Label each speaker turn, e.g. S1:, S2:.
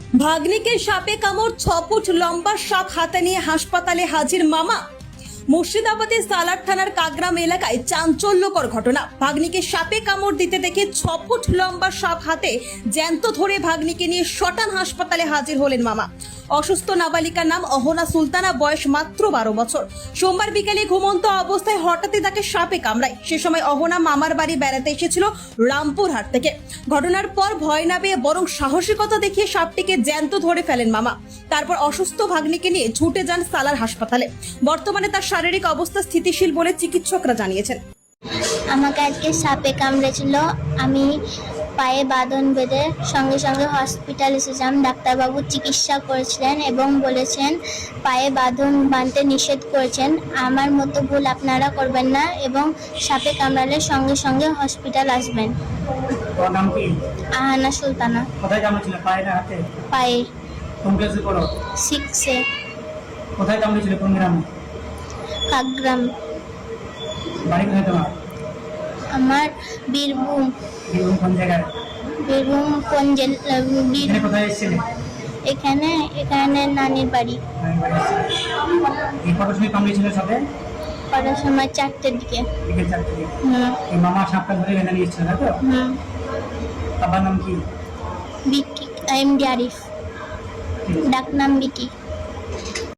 S1: ভাগ্নিকে সাপে কামড়, 6 ফুট লম্বা সাপ হাতে নিয়ে হাসপাতালে হাজির মামা। মুর্শিদাবাদের সালার থানার কাগ্রাম এলাকায় চাঞ্চল্যকর ঘটনা। ভাগ্নিকে সাপে কামড় দিতে দেখে 6 ফুট লম্বা সাপ হাতে জ্যান্ত ধরে ভাগ্নিকে নিয়ে শটান হাসপাতালে হাজির হলেন মামা। অসুস্থ নাবালিকার নাম অহনা সুলতানা, বয়স মাত্র 12 বছর। সোমবার বিকেলে ঘুমন্ত অবস্থায় হঠাৎই তাকে সাপে কামড়ায়। সে সময় অহনা মামার বাড়ি বেড়াতে এসেছিল রামপুরহাট থেকে। ঘটনার পর ভয় না পেয়ে বরং সাহসিকতা দেখিয়ে সাপটিকে জ্যান্ত ধরে ফেলেন মামা। তারপর অসুস্থ ভাগ্নিকে নিয়ে ছুটে যান সালার হাসপাতালে। বর্তমানে তার শারীরিক অবস্থা স্থিতিশীল বলে চিকিৎসকরা জানিয়েছেন।
S2: আমাকে আজকে সাপে কামড়েছিল। আমি পায়ে বাঁধন বেঁধে সঙ্গে সঙ্গে হসপিটাল এসেছিলাম। ডাক্তারবাবু চিকিৎসা করেছিলেন এবং বলেছেন পায়ে বাঁধন বাঁধতে নিষেধ করেছেন। আমার মতো ভুল আপনারা করবেন না এবং সাপে কামড়ালে সঙ্গে সঙ্গে হসপিটাল আসবেন।
S3: তোমার নাম কি?
S2: আহানা সুলতানা।
S3: কোথায় কামড়েছিল, পায়ে না হাতে?
S2: পায়ে।
S3: কোন ক্লাসে পড়ো?
S2: 6-এ।
S3: কোথায় কামড়েছিল, কোন গ্রামে?
S2: কাগ্রাম।
S3: বাড়ি কোথায় তোমার?
S2: আমার বীরভূম।
S3: বীরভূম কোন জায়গায়?
S2: বীরভূম কোন
S3: এখানে কোথায় এসেছিলে?
S2: এখানে নানির বাড়ি।
S3: এই কটার সময় কামড়েছিল সাপে?
S2: কটার সময়? 4টের দিকে।
S3: বিকেল 4টে দিকে।
S2: হুম
S3: এই মামা সাপটা ধরে এখানে নিয়ে এসেছিল, তাই তো?
S2: হুম।
S3: বাবার নাম কি?
S2: বিকি, এমডি আরিফ, ডাকনাম বিকি।